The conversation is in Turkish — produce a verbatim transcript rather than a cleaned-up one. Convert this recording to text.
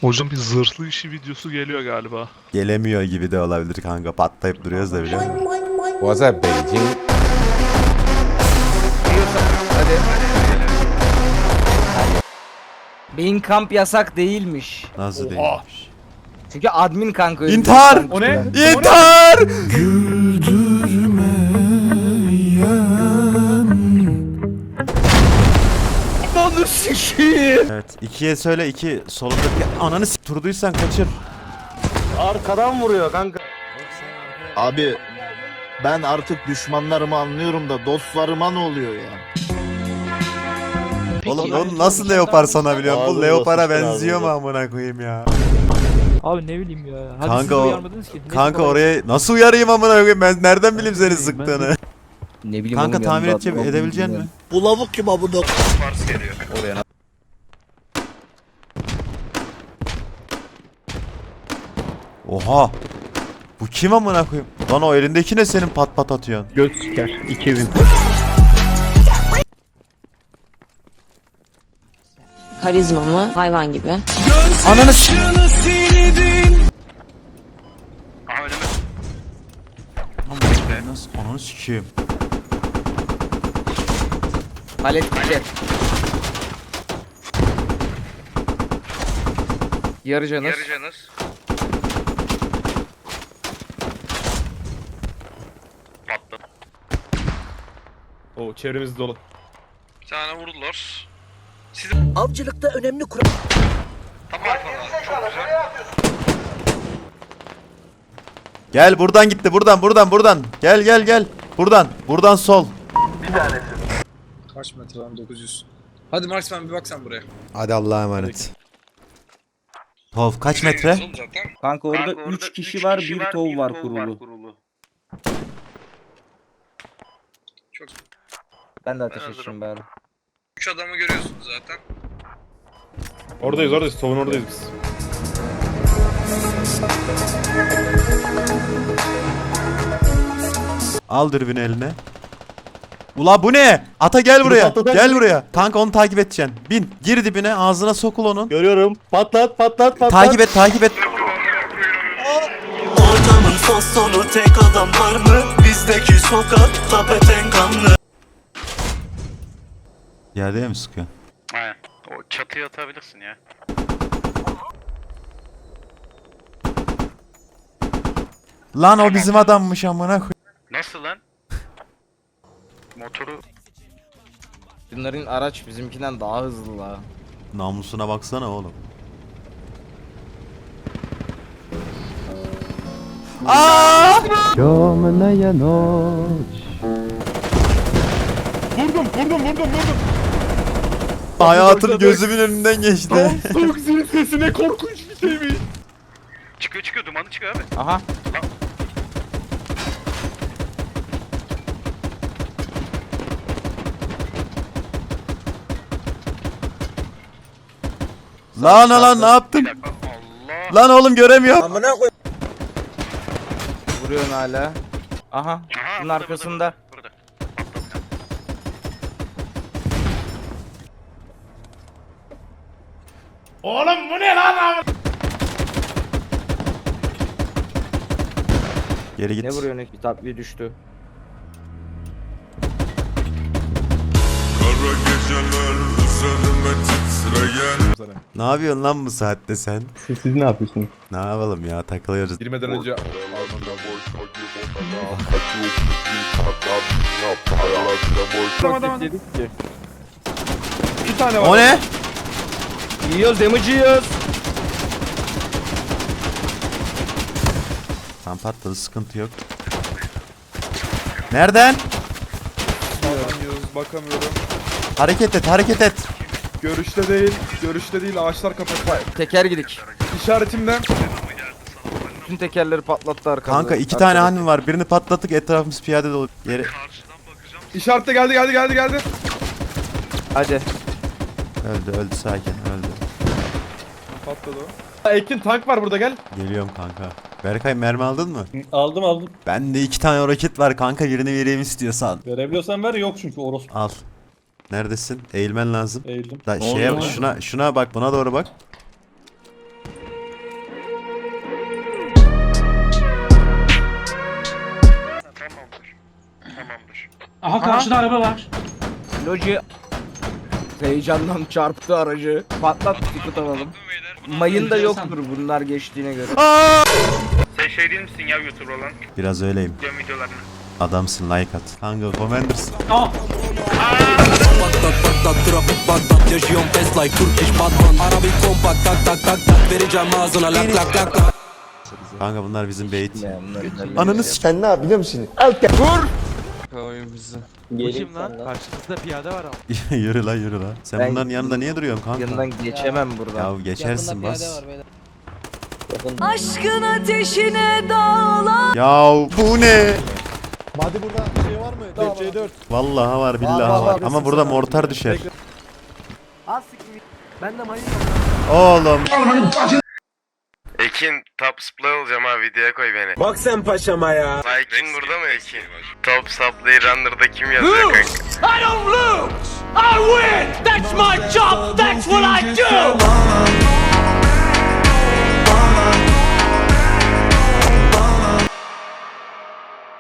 Hocam bir zırhlı işi videosu geliyor galiba. Gelemiyor gibi de olabilir kanka. Patlayıp duruyoruz da biliyor musun? Was that Beijing? Hadi. Beyin kamp yasak değilmiş. Nasıl değilmiş? Çünkü admin kanka öyle. İntihar! O ne? İntihar! Onu sikiyim. Evet. ikiye söyle iki solundaki ananı s*** turduysan kaçır. Arkadan vuruyor kanka. Abi ben artık düşmanlarımı anlıyorum da dostlarıma ne oluyor ya? Oğlum onu nasıl leopar sanabiliyorum? Bu Ağzını leopara basmışlar benziyor mu ağzını. amına koyayım ya? Abi ne bileyim ya. Hadi Kanka siz de o- uyarmadınız ki. Neyse, Kanka kolay oraya nasıl uyarayım amına koyayım? Ben nereden bileyim seni bileyim, ben sıktığını? Ne bileyim Kanka oğlum, tahmin yanında edeceğim adam edebilecek bilmiyorum. mi? Bu lavuk kim abi bu? Oha! Bu kim amına koyayım? Lan o elindeki ne senin pat pat atıyorsun? Göz siker. iki bin. Karizma mı? Hayvan gibi. Ananı s***. Nasıl? Ananı sikeyim. Palet gitti. Yarı canız. Yarı canız. Patladı. O çevremiz dolu. Bir tane vurdular. Avcılıkta önemli kural. Tam arkadan. Çok güzel. Gel buradan gitti buradan buradan buradan. Gel gel gel. Buradan. Buradan sol. Kaç metre lan dokuz yüz. Hadi Marksman bir bak sen buraya. Hadi Allah'a emanet. Tov kaç metre? Son zaten. Kanka orada Kanka üç orada kişi üç var, kişi bir tov var tov kurulu. Çok. Ben de ateş Ben edeceğim hazırım. bari. Üç adamı görüyorsunuz zaten. Oradayız oradayız. Tovun oradayız biz. Al dürbünü eline. Ula bu ne? Ata gel buraya. Gel buraya. Kanka onu takip edeceksin. Bin. Gir dibine ağzına sokul onun. Görüyorum. Patlat patlat patlat. Takip et takip et. Ortamın son sonu tek adam var mı? Bizdeki sokakta beten kanlı. Yerde mi sıkıyor? Aynen. O çatıya atabilirsin ya. Lan o bizim adammış amına koy. Nasıl lan? Motoru Bunların araç bizimkinden daha hızlı la. Namusuna baksana oğlum. Aa! Vurdum vurdum vurdum vurdum. Hayatım gözümün önünden geçti. Soğuk zil sesi ne korkunç bir şeymiş. çıkıyor çıkıyor dumanı çıkıyor abi. Aha. Lan lan ne yaptın? Bir dakika. Allah. Lan oğlum göremiyorum. Amına koy. Vuruyorsun hala. Aha. Aha, Bunun burada, arkasında. Burada. Oğlum bu ne lan? Geri git. Ne vuruyorsun? Bir tatbiye düştü. Ne yapıyorsun lan bu saatte sen? Siz, siz ne yapıyorsunuz? Ne yapalım ya takılıyoruz. Girmeden önce Tamam tamam. Dedik ki. bir tane var. O ne? Yiyoruz, damage yiyoruz. Tam patladı sıkıntı yok. Nereden? Bakamıyoruz, bakamıyorum. Hareket et hareket et. Görüşte değil, görüşte değil ağaçlar kapalı. Teker gidik. İşaretimden Bütün tekerleri patlattı arkada. Kanka iki tane hanım var. Birini patlattık etrafımız piyade dolu. Yere... Karşıdan bakacağım. işarette geldi geldi geldi geldi. Hadi. Öldü öldü sakin öldü. Patladı o. Ekin tank var burada gel. Geliyorum kanka. Berkay mermi aldın mı? Aldım aldım. Bende iki tane roket var kanka birini vereyim istiyorsan. Verebiliyorsan ver, yok çünkü orospu. Al. Neredesin? Eğilmen lazım. Eğildim. Da şeye şuna şuna bak buna doğru bak. Aha karşıda araba var. Loji heyecandan çarptı aracı. Patlat ticket alalım. Mayın da yoktur bunlar geçtiğine göre. Sen şey değil misin ya YouTuber olan? Biraz öyleyim. Videom videolarını. Adamsın, like at. Kanka Commanders. Aa. Kanka bunlar bizim bait. Ya bunlar- Ananı s***. Sen ne yap biliyor musun? Bu kim lan? Karşımızda piyade var ama. Yürü lan yürü lan. Sen Ben- bunların yanında niye duruyorsun kanka? Yanından geçemem buradan. Ya geçersin bas. Aşkın ateşine dağlar. Ya bu ne? Hadi burada şey var mı? C dört. Vallahi var billahi Var, var, var. var. Ama burada mortar düşer. Ben de mayın Oğlum. Ekin top supply olacağım ha videoya koy beni. Bak sen paşama ya. Ekin burada mı Ekin? Top supply runner'da kim yazıyor kanka? I don't lose! I win! That's my job!